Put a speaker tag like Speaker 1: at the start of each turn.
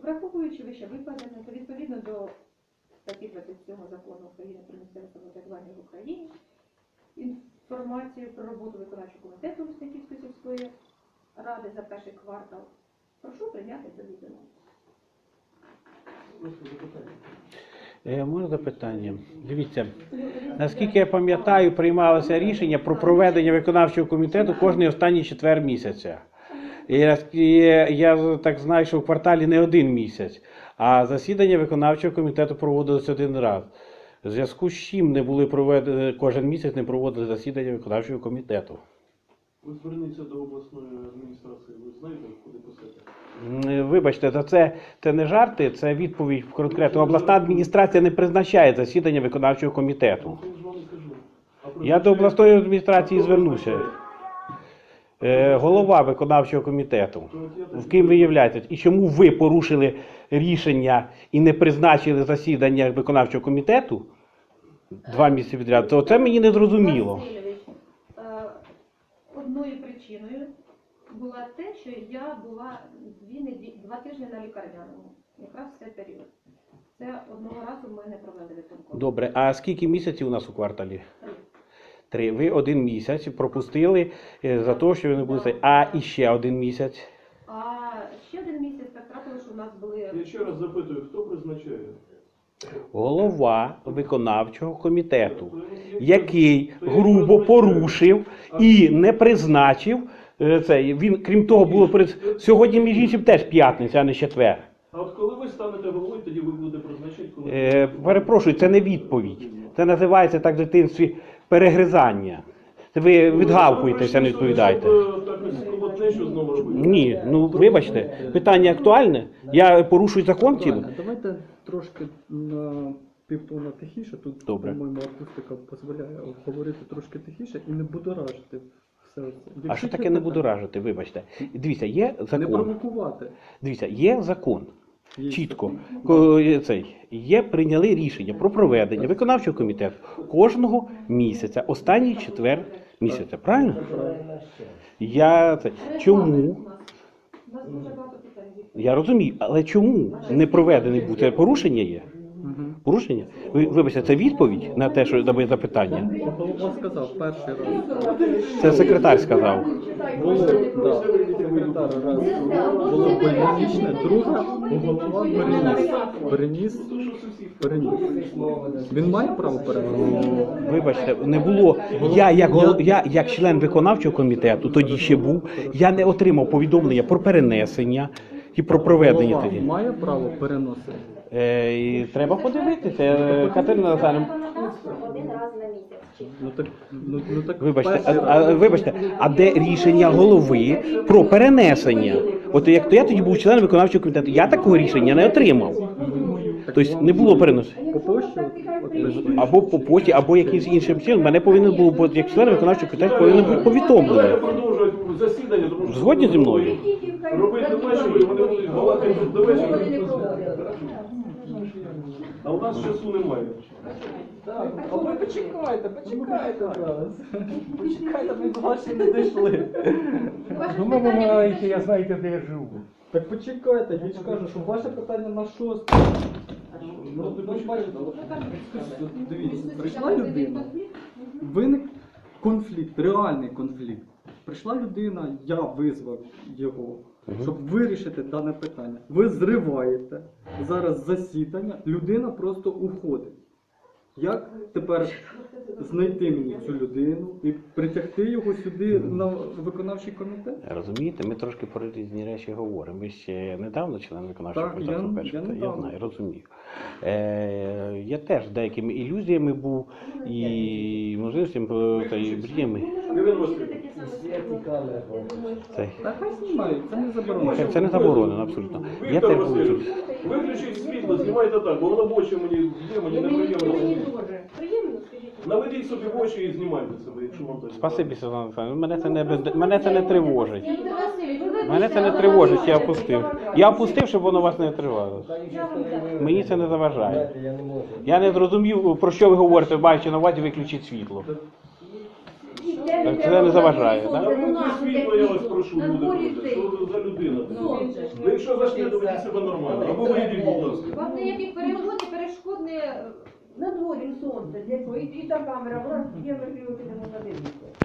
Speaker 1: Враховуючи вище викладене, то відповідно до статті 27 Закону України про місцеве самоврядування в Україні, інформацію про роботу виконавчого комітету Лисаківської сільської ради за перший квартал прошу прийняти до відома.
Speaker 2: Можна запитання? Дивіться, наскільки я пам'ятаю, приймалося рішення про проведення виконавчого комітету кожний останній четвер місяця. І я так знаю, що в кварталі не один місяць, а засідання виконавчого комітету проводилось один раз. В зв'язку з чим не були проведені, кожен місяць не проводили засідання виконавчого комітету.
Speaker 3: Ви зверніться до обласної адміністрації, ви знаєте, куди писати?
Speaker 2: Вибачте, це не жарти, це відповідь конкретно. Обласна адміністрація не призначає засідання виконавчого комітету. Я до обласної адміністрації звернуся. Голова виконавчого комітету. В ким ви являєтесь? І чому ви порушили рішення і не призначили засідання виконавчого комітету 2 місяці відряд? То це мені не зрозуміло.
Speaker 1: Одною причиною була те, що я була 2 тижні на лікарняному. Якраз в цей період. Це одного разу ми не провели виконком.
Speaker 2: Добре, а скільки місяців у нас у кварталі? 3. Ви 1 місяць пропустили за те, що ви не були. А іще 1 місяць?
Speaker 1: А ще 1 місяць так трапило, що у нас були...
Speaker 3: Я ще раз запитую, хто призначає?
Speaker 2: Голова виконавчого комітету, який грубо порушив і не призначив це. Він, крім того, було сьогодні, між іншим, теж п'ятниця, а не четвер.
Speaker 3: А от коли ви станете головою, тоді ви будете призначати, коли...
Speaker 2: Перепрошую, це не відповідь. Це називається так в дитинстві перегризання. Це ви відгавкуєтеся, не відповідаєте. Ні, ну вибачте, питання актуальне. Я порушую закон цілий.
Speaker 4: Давайте трошки на півтона тихіше. Тут, по-моєму, акустика дозволяє говорити трошки тихіше і не будоражити все це.
Speaker 2: А що таке не будоражити, вибачте? Дивіться, є закон.
Speaker 4: Не провокувати.
Speaker 2: Дивіться, є закон. Чітко. Є прийняли рішення про проведення виконавчого комітету кожного місяця, останній четвер місяця. Правильно? Чому? Я розумію, але чому не проведений був? Це порушення є? Порушення? Вибачте, це відповідь на те, що на моє запитання?
Speaker 4: Голова сказав перший раз.
Speaker 2: Це секретар сказав.
Speaker 4: Було, да, секретар раз. Було больничне, друге, голова переніс. Він має право переносити?
Speaker 2: Вибачте, не було. Я як член виконавчого комітету, тоді ще був, я не отримав повідомлення про перенесення і про проведення тоді.
Speaker 4: Голова має право переносити?
Speaker 2: І треба подивитися. Катерина Назарівна.
Speaker 1: Один раз на місяць.
Speaker 4: Ну так
Speaker 2: Вибачте, а де рішення голови про перенесення? От як то я тоді був членом виконавчого комітету, я такого рішення не отримав. Тобто не було переносу.
Speaker 4: По пошті?
Speaker 2: Або по поті, або якимось іншим чином. Мене повинен був, як член виконавчого комітету, повинен бути повідомлений. Згодні зі мною?
Speaker 3: Робити до вечора, і вони будуть балакати до вечора. А у нас часу немає.
Speaker 4: А ви почекайте зараз. Почекайте, ми до вас ще не дійшли.
Speaker 2: Ну, ми маленькі, я знаєте, де я живу.
Speaker 4: Так почекайте, я ж кажу, що ваше питання на 6. Ну, бачите, дивіться, прийшла людина, виник конфлікт, реальний конфлікт. Прийшла людина, я визвав його, щоб вирішити дане питання. Ви зриваєте зараз засідання, людина просто уходить. Як тепер знайти мені цю людину і притягти його сюди на виконавчий комітет?
Speaker 2: Розумієте, ми трошки про різні речі говоримо. Ви ще недавно член виконавчого комітету? Я знаю, розумію. Я теж деякими ілюзіями був і можливостями та і мріями.
Speaker 4: Та хай знімають, це не заборонено.
Speaker 2: Це не заборонено, абсолютно. Я теж був.
Speaker 3: Виключіть світло, знімайте так, бо воно в очі мені неприємно. Наведіть собі в очі і знімайте себе, якщо вам так.
Speaker 2: Спасибі, Світлана Олександрівна. Мене це не тривожить. Мене це не тривожить, я опустив. Я опустив, щоб воно вас не тривало. Мені це не заважає. Я не зрозумів, про що ви говорите, маючи на увазі виключити світло. Так це не заважає,
Speaker 3: А
Speaker 2: так?
Speaker 3: вимкніть світло, я вас прошу, люди добрі. Що ви за людина? Ви якщо зайшли, то ведіть себе нормально. Або вийдіть, будь ласка.
Speaker 1: Вам ніяких перешкод не...
Speaker 5: На дворі сонце, і та камера, вона є можливо, підемо подивитися.